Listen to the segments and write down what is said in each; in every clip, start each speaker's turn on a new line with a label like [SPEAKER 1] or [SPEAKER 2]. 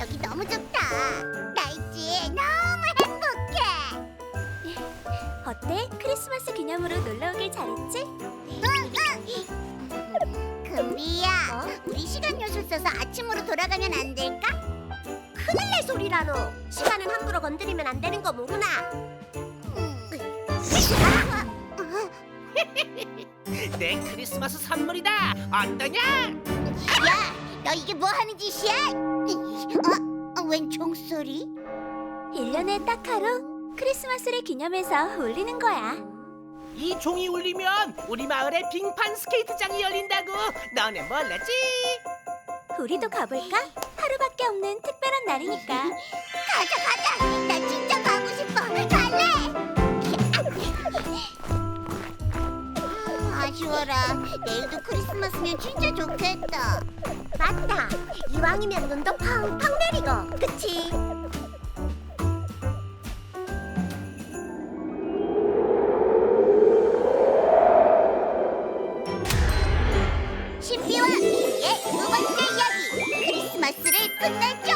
[SPEAKER 1] 여기 너무 좋다. 나 있지 너무 행복해.
[SPEAKER 2] 어때? 크리스마스 기념으로 놀러 오길 잘했지?
[SPEAKER 1] 금비야, 우리 시간 요술 써서 아침으로 돌아가면 안 될까?
[SPEAKER 2] 큰일 날 소리라노. 시간은 함부로 건드리면 안 되는 거 모르나?
[SPEAKER 3] 내 크리스마스 선물이다. 어떠냐?
[SPEAKER 1] 야, 너 이게 뭐 하는 짓이야? 웬 종소리?
[SPEAKER 2] 1년에 딱 하루 크리스마스를 기념해서 올리는 거야.
[SPEAKER 3] 이 종이 울리면 우리 마을에 빙판 스케이트장이 열린다고. 너네 몰랐지?
[SPEAKER 2] 우리도 가볼까? 하루밖에 없는 특별한 날이니까.
[SPEAKER 1] 가자. 나 진짜 가고 싶어. 갈래. 아쉬워라. 내일도 크리스마스면 진짜 좋겠다.
[SPEAKER 2] 맞다. 이왕이면 눈도 팡팡 내리고, 그치?
[SPEAKER 1] 신비와 미미의 두 번째 이야기. 크리스마스를 끝내죠.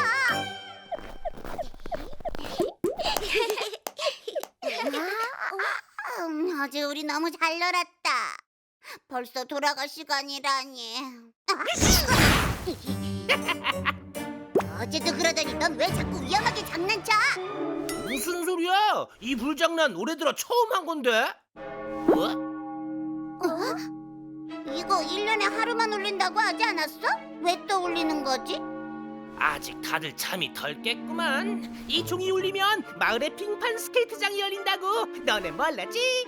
[SPEAKER 1] 어제 우리 너무 잘 놀았다. 벌써 돌아갈 시간이라니. 어제도 그러더니 넌 왜 자꾸 위험하게 장난쳐?
[SPEAKER 3] 무슨 소리야? 이 불장난 올해 들어 처음 한 건데.
[SPEAKER 1] 이거 1년에 하루만 울린다고 하지 않았어? 왜 또 울리는 거지?
[SPEAKER 3] 아직 다들 잠이 덜 깼구만. 이 종이 울리면 마을에 빙판 스케이트장이 열린다고. 너네 몰랐지?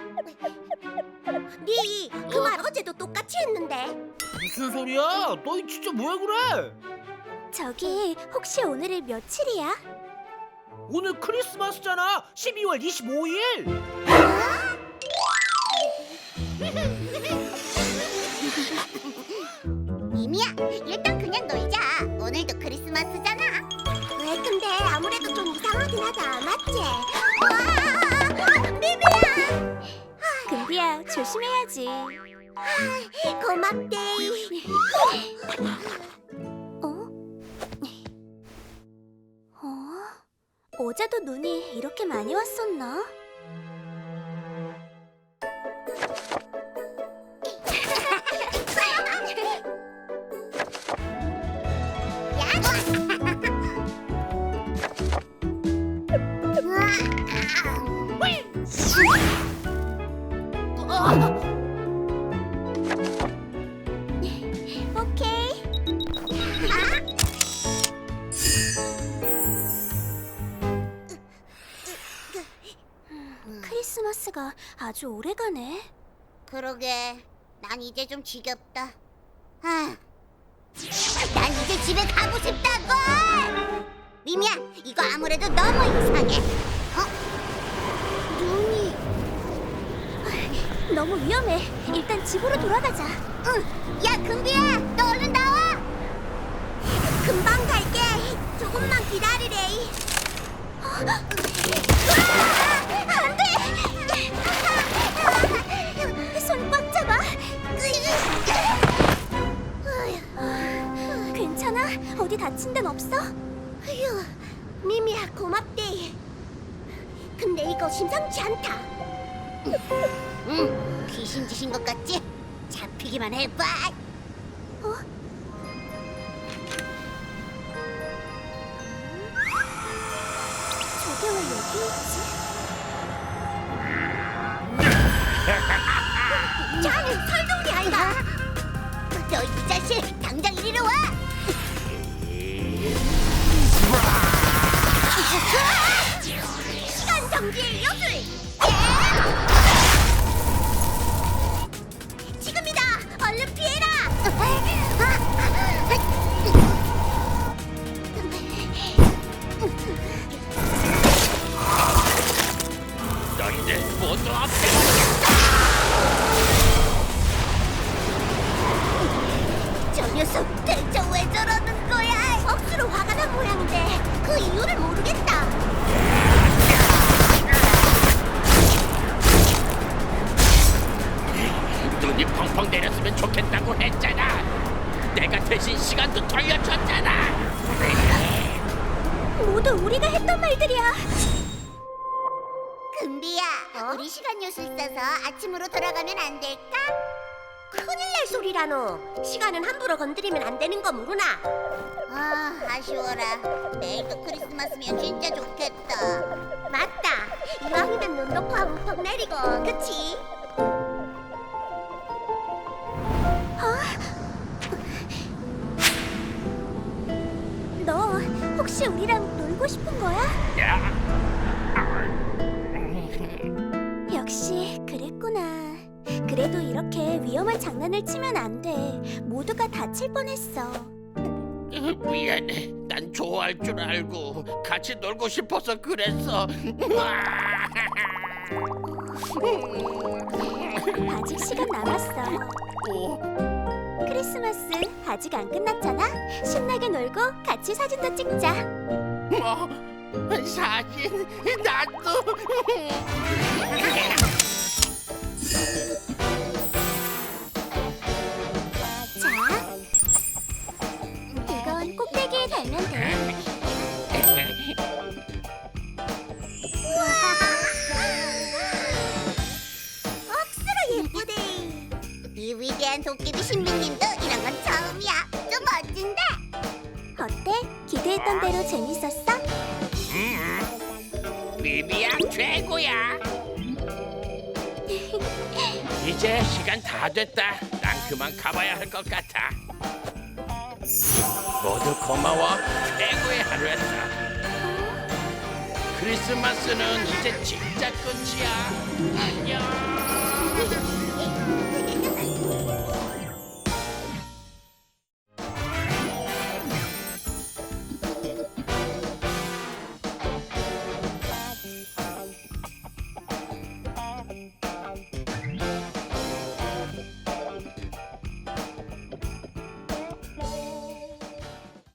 [SPEAKER 2] 네, 그 말 어제도 똑같이 했는데.
[SPEAKER 3] 무슨 소리야? 너 진짜 왜 그래?
[SPEAKER 2] 저기, 혹시 오늘이 며칠이야?
[SPEAKER 3] 오늘 크리스마스잖아. 12월 25일.
[SPEAKER 1] 미미야, 일단 그냥 놀자. 오늘도 크리스마스잖아.
[SPEAKER 2] 왜 근데 아무래도 좀 이상하긴 하다, 맞지?
[SPEAKER 1] 미미야!
[SPEAKER 2] 금비야, 조심해야지.
[SPEAKER 1] 고맙대.
[SPEAKER 2] 어제도 눈이 이렇게 많이 왔었나? 오케이. 크리스마스가 아주 오래가네.
[SPEAKER 1] 그러게, 난 이제 좀 지겹다. 난 이제 집에 가고 싶다고! 미미야, 이거 아무래도 너무 이상해. 눈이...
[SPEAKER 2] 너무 위험해. 일단 집으로 돌아가자.
[SPEAKER 1] 응, 야, 금비야, 너 얼른 나와!
[SPEAKER 2] 금방 갈게. 조금만 기다리래.
[SPEAKER 1] 안 돼!
[SPEAKER 2] 손 꽉 잡아. 괜찮아? 어디 다친 데는 없어?
[SPEAKER 1] 휴, 미미야, 고맙대.
[SPEAKER 2] 근데 이거 심상치 않다.
[SPEAKER 1] 응, 귀신 짓인 것 같지? 잡히기만 해봐.
[SPEAKER 2] 저게 왜 여기 있지?
[SPEAKER 1] 자는 설동이 아이가. 너 이 자식, 당장 이리로 와. 시간 정지의 요술.
[SPEAKER 2] 지금이다. 얼른 피해라.
[SPEAKER 3] 너희들 모두 없애.
[SPEAKER 1] 저 녀석 대체 왜 저러는 거야?
[SPEAKER 2] 억수로 화가 난 모양인데 그 이유를 모르겠다.
[SPEAKER 3] 눈이 펑펑 내렸으면 좋겠다고 했잖아. 내가 대신 시간도 돌려줬잖아.
[SPEAKER 2] 모두 우리가 했던 말들이야.
[SPEAKER 1] 금비야, 우리 시간 요술 있어서 아침으로 돌아가면 안 될까? 큰일 날 소리라노. 시간은 함부로 건드리면 안 되는 거 모르나? 아, 아쉬워라. 내일도 크리스마스면 진짜 좋겠다. 맞다. 이왕이면 눈도 펑펑 내리고, 그치?
[SPEAKER 2] 너 혹시 우리랑 놀고 싶은 거야? 역시 그랬구나. 그래도 이렇게 위험한 장난을 치면 안 돼. 모두가 다칠 뻔했어.
[SPEAKER 4] 미안해. 난 좋아할 줄 알고 같이 놀고 싶어서 그랬어.
[SPEAKER 2] 아직 시간 남았어. 크리스마스 아직 안 끝났잖아. 신나게 놀고 같이 사진도 찍자.
[SPEAKER 4] 뭐? 사진? 나도?
[SPEAKER 2] 자, 이건 꼭대기에 달면 돼.
[SPEAKER 1] 억수로 예쁘네. 이 위대한 도깨비 신비님도 이런 건 처음이야. 좀 멋진데?
[SPEAKER 2] 어때? 기대했던 대로 재밌었어?
[SPEAKER 4] 비비야 최고야. 이제 시간 다 됐다. 난 그만 가봐야 할 것 같아. 모두 고마워. 최고의 하루였어. 크리스마스는 이제 진짜 끝이야. 안녕.